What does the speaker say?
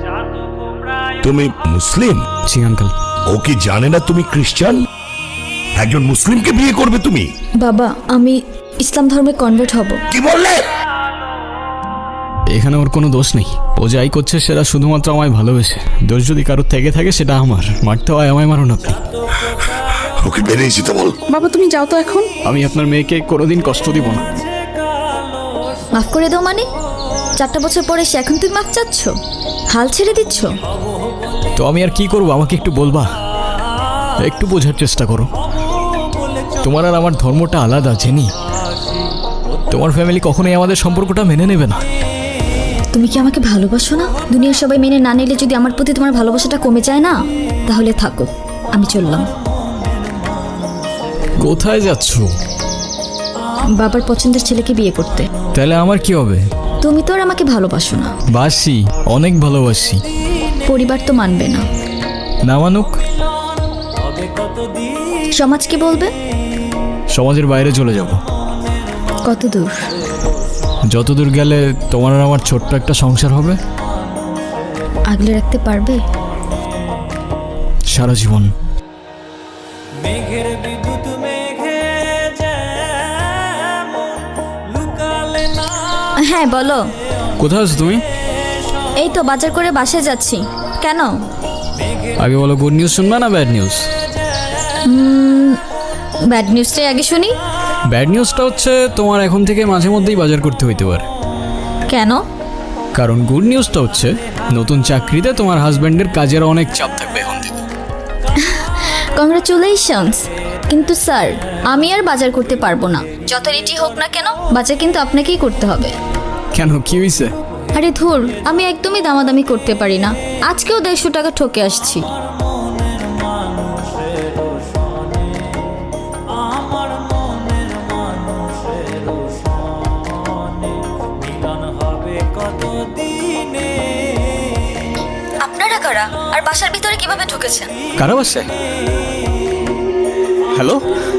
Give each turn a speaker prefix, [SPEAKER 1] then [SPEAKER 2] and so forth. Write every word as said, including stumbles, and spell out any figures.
[SPEAKER 1] তুমি মুসলিম?
[SPEAKER 2] জি আঙ্কেল।
[SPEAKER 1] ও কি জানে না তুমি খ্রিস্টান? একজন মুসলিমকে বিয়ে করবে তুমি?
[SPEAKER 3] বাবা, আমি ইসলাম ধর্মে কনভার্ট হব।
[SPEAKER 1] কি বললে?
[SPEAKER 2] এখানে ওর কোনো দোষ নেই। ও যাই করছে সেটা শুধুমাত্র আমায় ভালোবেসে। দোষ যদি কারোর থেকে থাকে সেটা আমার। মারতে হয় আমায় মারুন আপনি।
[SPEAKER 1] ওকে বেরিয়ে যেতে বল।
[SPEAKER 4] বাবা তুমি যাও তো এখন।
[SPEAKER 2] আমি আপনার মেয়েকে কোনোদিন কষ্ট দিব না।
[SPEAKER 3] মাফ করে দাও মানে? চারটা বছর পরে সে এখন তুমি মাফ চাচ্ছ? হাল ছেড়ে দিচ্ছ?
[SPEAKER 2] তো আমি আর কি করবো, আমাকে একটু বলবা? একটু বোঝার চেষ্টা করো। তোমার আর আমার ধর্মটা আলাদা জেনি। তোমার ফ্যামিলি কখনোই আমাদের সম্পর্কটা মেনে নেবে না।
[SPEAKER 3] তুমি কি আমাকে ভালোবাসো না? দুনিয়ার সবাই মেনে না নিলে যদি আমার প্রতি তোমার ভালোবাসাটা কমে যায় না, তাহলে থাকো, আমি চললাম।
[SPEAKER 2] কোথায় যাচ্ছ?
[SPEAKER 3] বাবার পছন্দের ছেলেকে বিয়ে করতে।
[SPEAKER 2] তাহলে আমার কি হবে?
[SPEAKER 3] তুমি তো আর আমাকে ভালোবাসো না।
[SPEAKER 2] বাসি, অনেক ভালোবাসি।
[SPEAKER 3] পরিবার তো মানবে না।
[SPEAKER 2] না মানুক?
[SPEAKER 3] সমাজ কি বলবে?
[SPEAKER 2] সমাজের বাইরে চলে যাব।
[SPEAKER 3] কত দূর?
[SPEAKER 2] যত দূর গেলে তোমার আর আমার ছোট্ট একটা সংসার হবে।
[SPEAKER 3] আগলে রাখতে পারবে?
[SPEAKER 2] সারা জীবন।
[SPEAKER 3] হ্যাঁ বলো।
[SPEAKER 2] কোথায় আছো তুমি?
[SPEAKER 3] এই তো বাজার করে বাসায় যাচ্ছি। কেন?
[SPEAKER 2] আগে বলো, গুড নিউজ শুনবা না ব্যাড নিউজ?
[SPEAKER 3] ব্যাড নিউজটাই আগে শুনি।
[SPEAKER 2] ব্যাড নিউজটা হচ্ছে তোমার এখন থেকে মাঝে মধ্যেই বাজার করতে হইতে পারে।
[SPEAKER 3] কেন?
[SPEAKER 2] কারণ গুড নিউজটা হচ্ছে নতুন চাকরিতে তোমার হাজব্যান্ডের কাজের অনেক চাপ থাকবে এখন থেকে।
[SPEAKER 3] কংগ্রাচুলেশনস। কিন্তু স্যার, আমি আর বাজার করতে পারবো না। যত রেটি হোক না কেন, বাজার কিন্তু আপনাকেই করতে হবে।
[SPEAKER 2] কেন, কি হয়েছে?
[SPEAKER 3] আরে ধুর, আমি একদমই দামাদামি করতে পারি না। আজকেও দেড়শো টাকা ঠকে আসছি। আপনারা কারা আর বাসার ভিতরে কিভাবে ঢুকেছেন?
[SPEAKER 2] কারা বাসে? হ্যালো।